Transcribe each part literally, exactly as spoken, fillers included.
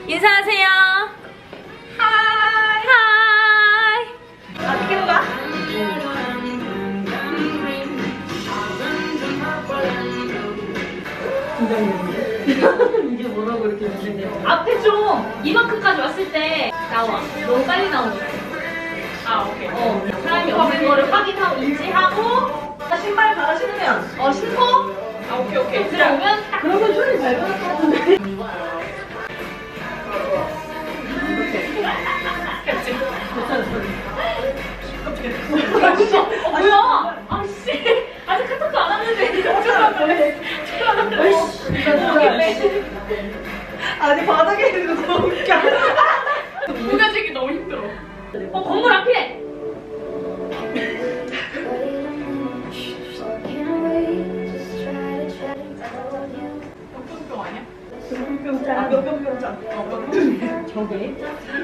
인사하세요. 하이. 하이. 어떻게 가? 이게 뭐라고 이렇게 문제냐? 앞에 좀 이만큼까지 왔을 때 나와. 너무 빨리 나오는 거야. 아 오케이. 어, 사람이 없는 거를 확인하고 인지하고 신발 갈아 신으면. 어 신고 아 오케이 오케이. 들어오면 딱 그러면 손이 밟을 것 같은데. 그치. 어, 뭐야? 아씨 아직 카톡도 안 왔는데 축하한다. 아니 바닥에 있는 거 너무 웃겨. 무가지기 너무 힘들어. 어 건물 앞이네. 병 아니야? 병병장. 병병병장. 어 병병장. 저게?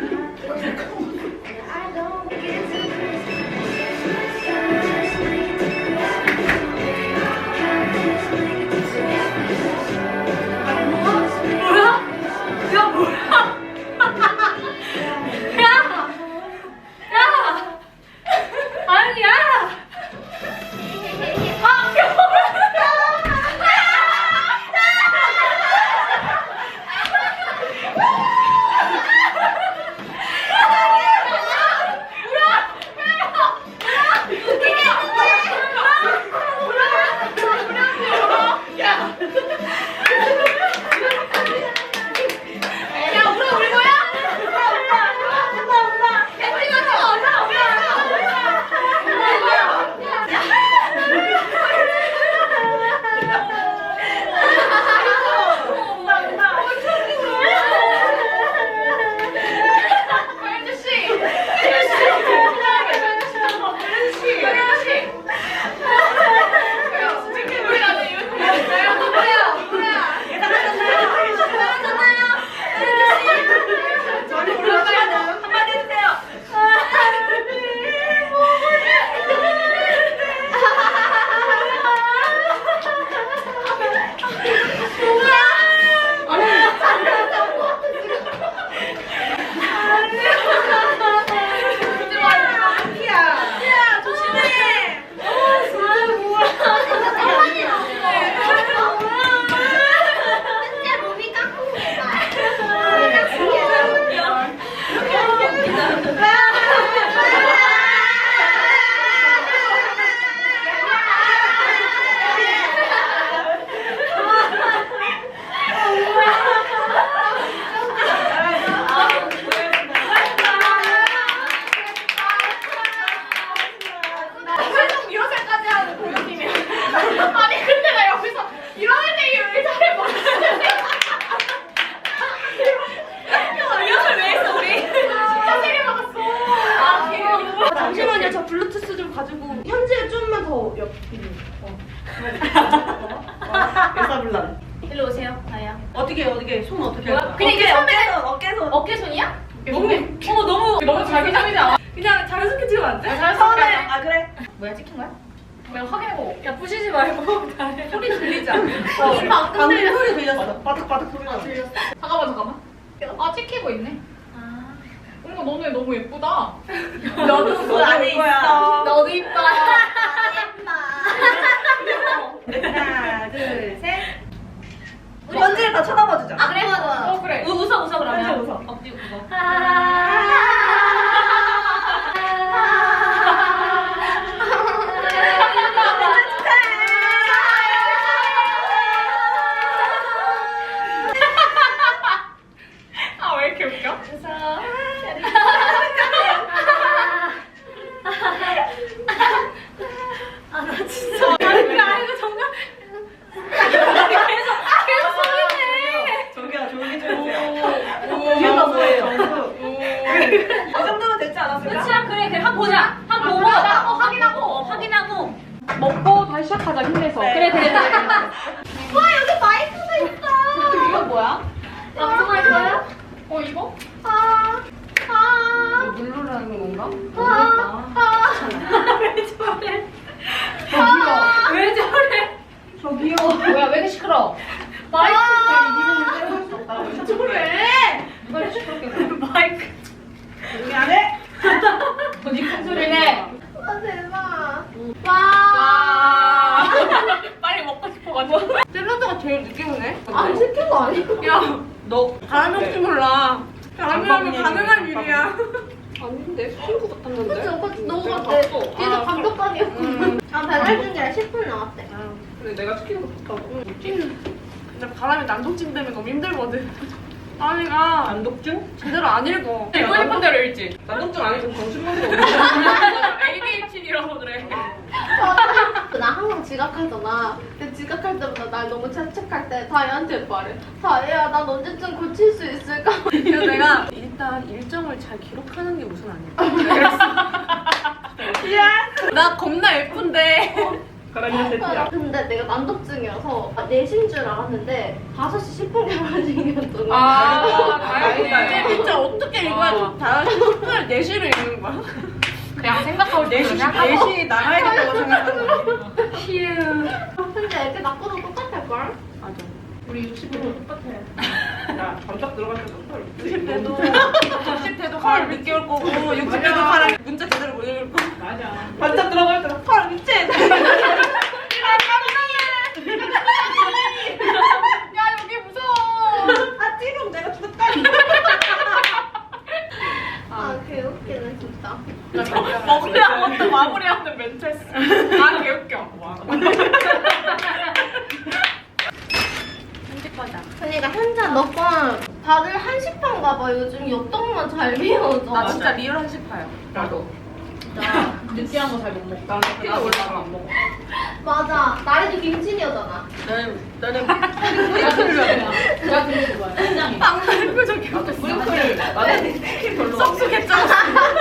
뭐야? 야 뭐야? 야! 야! 아니 야! 아 야 울어 울 거야? 아니 근데 나 여기서 이런 애들이 왜 잘해 모르는데 리허설 왜 했어 우리? 진짜 세게 막았어. 아 귀여워. 잠시만요. 저 블루투스 좀 가지고 현재 좀만 더 옆. 어. 여사불란. 일로 오세요 다야. 어떻게 어떻게 손 어떻게 할 거야? 그냥 이게 어깨손 어깨손. 어깨손이야? 너무 어머 너무 너무 자기적이지 않아? 그냥 자연스럽게 찍으면 안 돼? 처음에 아 그래. 뭐야 찍힌 거야? 뭐야 확인해보고. 야 부시지 말고 소리 들리지 않아? 어, 이 방금 방금 들렸어. 소리 들렸어. 바닥바닥 소리가 들렸어. 잠깐만 잠깐만. 아 찍히고 있네. 아. 어머 너네 너무 예쁘다. 너도 그 안에 있어. 너도 이뻐. 하나 둘 셋. 우리 언제를 다 쳐다봐주자. 아 그래? 어 그래. 우, 웃어 웃어 그러면. 언제 웃어? 엎드리고 웃어. 아 왜 이렇게 웃겨? 아나 진짜. 야 이거 정말. 계속 계속 소리내. 저기요 조용히 좀 해주세요. 오. 이유가 뭐예요? 오. 이 정도면 됐지 않았을까? 그치야 그래 그래 한 번 보자. 한 번 보고 나 어, 확인하고 어, 확인하고. 먹고 다시 시작하자 힘내서. 네. 그래 그래. 와 여기 마이크도 있어. 이건 뭐야? 방송할 거야? 어 이거? 아. 아. 누르라는 건가? 아. 아. 왜 저래? 아. 왜 저래? 저기요. 뭐야 왜 이렇게 시끄러? 마이크 이기는 걸 수 없다고. 저래? 마이크. 미안해. 언니 큰 소리네. 아 대박. 와. 와. 빨리 먹고 싶어가지고. 샐러드가 제일 늦게 오네. 안 시킨 거 아니야? 야, 너 바람 혹시 몰라. 바람이라면 잠깐만요, 가능한 잠깐만. 일이야. 아닌데 친구 같았는데. 그치 오빠 너무 내가 같아. 봤어. 진짜 아, 감독관이었어. 음. 아 배달 중이라 십 분 남았대. 근데 내가 시키는 거 좋다고. 근데 바람이 난독증 때문에 너무 힘들거든. 바람이가 단독증? 제대로 안 읽어. 읽고 싶은 대로 읽지. 단독증 아니고 정신병도 에이디에이치디라서 그래. 나 항상 지각하잖아. 근데 지각할 때마다 날 너무 채찍할 때 다혜한테 말해. 다혜야, 난 언제쯤 고칠 수 있을까? 그래서 내가 일단 일정을 잘 기록하는 게 우선 아닐까. 나 겁나 예쁜데. 그러면 세트야. 근데 내가 난독증이어서 네 시인 줄 알았는데 다섯 시 십 분 결혼식이었던 거야. 아, 다행이다. 근데 진짜 어떻게 읽어야 좋다. 십 분을 네 시를 읽는 거야? 그냥 생각하고 네 시, 네 시 나가야겠다고 생각하는 거야. 휴. 근데 애기 낳고도 똑같을걸? 맞아. 우리 육십 분 똑같아. 야, 잠깐 들어갈 때도 헐. 육십 대도 육십 대도 헐 늦게 올 거고 육십 대도 헐 문자 제대로 못 읽을 거고. 맞아. 반짝 들어갈 때도 헐 미친. 야 여기 무서워. 아 찌롱 내가 죽었다. 아 개웃기네 진짜. 먹으려고 마무리하는 멘트했어. 아 개웃겨. 편집하자. 그러니까 현자 너건 다들 한식판 가봐. 요즘 엽떡만 잘 비워져. 나 진짜 리얼 한식파요. 나도. 나 느끼한 거 잘 못 먹어. 나 나 올라가 안 먹어. 맞아. 나래도 김치녀잖아. 나는 나는 내가 그렇게 좋아해. 내가 그렇게 좋아해. 굉장히. 빵 표정이 브링클. 나는 치킨 별로 썩쑥했잖아.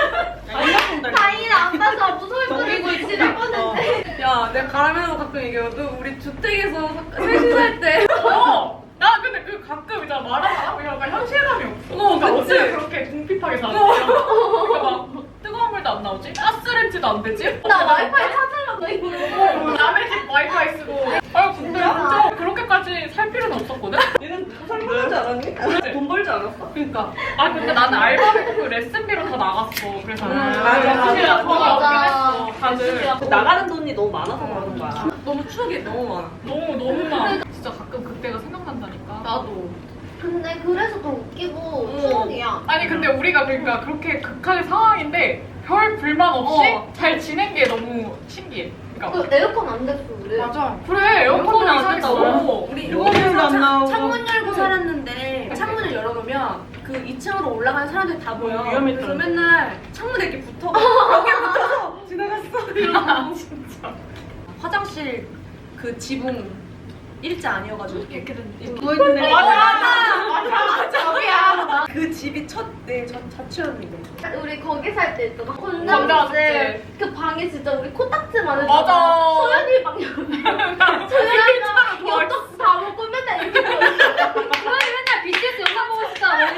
다행이다. 안 봐서 무서울 뻔했어. 지를 뻔했네. 야, 내가 가라면서 가끔 얘기해도 우리 주택에서 셋이 살 때. 어. 나 근데 그 가끔 이제 말하면 약간 현실감이 없어. 어, 그러니까 그치? 어떻게 그렇게 궁핍하게 사는 거야? 그러니까 막 뜨거운 물도 안 나오지? 가스렌지도 안 되지? 나 와이파이 찾으려고 이거. 남의 집 와이파이 쓰고. 아 근데 진짜 그렇게까지 살 필요는 없었거든? 얘는 설명하지 않았니? 돈 벌지 않았어? 그러니까. 아 근데 나는 알바비고 그 레슨비로 다 나갔어. 그래서 음, 맞아 맞아, 진짜 맞아. 돈이 없긴 했어. 다들 나가는 돈이 너무 많아서 그러는 거야. 너무 추억이 너무 많아. 너무 너무 많아. 진짜 가끔 그때가 생각난다니까. 나도. 근데 그래서 더 웃기고 음. 추억이야. 아니 근데 우리가 그러니까 그렇게 극한의 상황인데 별 불만 없이 어. 잘 지낸 게 너무 신기해. 그러니까 그 에어컨 안 됐어 우리. 맞아. 그래 에어컨도 에어컨이 안 이상했어. 됐다고. 우리 에어컨도 일본에서 안 창- 나오고. 창문 열고 살았는데 창문을 열어놓으면 그 이 층으로 올라가는 사람들이 다 보여. 위험했다. 그래서 맨날 창문에 이렇게 붙어. 벽에 붙어서 지나갔어. 이러고. 진짜. 화장실 그 지붕 일자 아니어가지고 이렇게 누워있는 애. 맞아 맞아 맞아. 저기야. 그 집이 첫내 자취였는데. 우리 거기 살 때 있잖아. 혼자 혼자 잤지. 그 방이 진짜 우리 코딱지만 했잖아. 맞아. 소연이 방 옆에. 소연이가 엽떡 다 먹고 맨날 이렇게 보고 있어. 소연이 맨날 비티에스 영상 보고 싶다.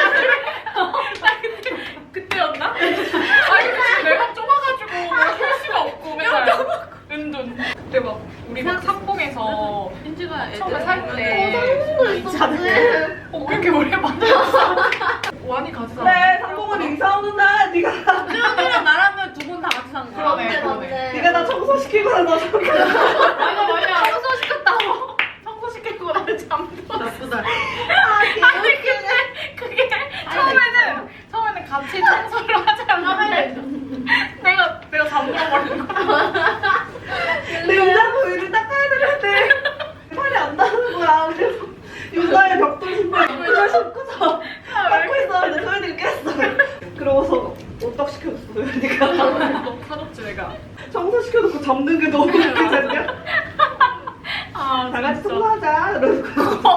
그때였나? 아니 근데 내가 좁아가지고 할 수가 없고 맨날 은둔. 그때 막 우리 막 상봉에서 민지가 처음에 애들 살 어, 때. 상봉도 있었지. 어 그렇게 오래 만났어. 완이 같이 살. 그래, 상봉은 인사 오는 날 네가 수영이랑 나랑은 두 분 다 같이 산 거야. 그러네, 그러네. 네가 나 청소시키고 나서 맞아 맞아. 청소시켰다고. 청소시키고 나를 잠들었어. 나쁘다. 아, 아니 근데 그게 처음에는 처음에는 같이 청소를 하자는데 내가 내가 잠들어버린 거야. 냉장고 위를 닦아야 되는데 팔이 안 닿는 거야. 그래서 유나의 벽돌 신발 입고 신고서 닦고 있었는데 소연이가 깼어. 그러고서 오떡 시켜줬어 소연이가. 너무 사줬지 내가. 청소시켜놓고 잡는 게 너무 웃기잖냐? 아 다 같이 진짜. 청소하자. 이러고.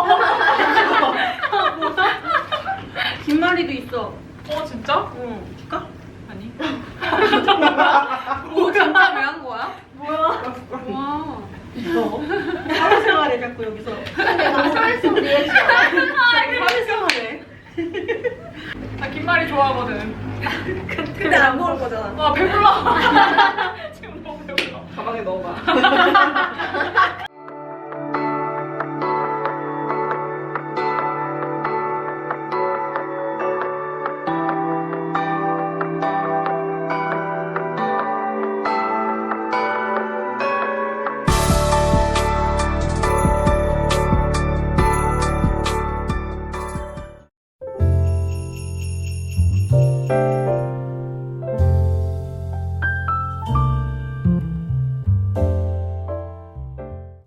김말이도 있어. 어 진짜? 응. 줄까? 아니. 오 진짜 왜 한 거야? 뭐야? 와. 있어. 사회생활에 자꾸 여기서. 근데 너무 스트레스 리액션. 사회생활에. 나 김말이 좋아하거든. 근데 안 먹을 거잖아. 와 배불러. 지금 너무 배불러. 가방에 넣어봐.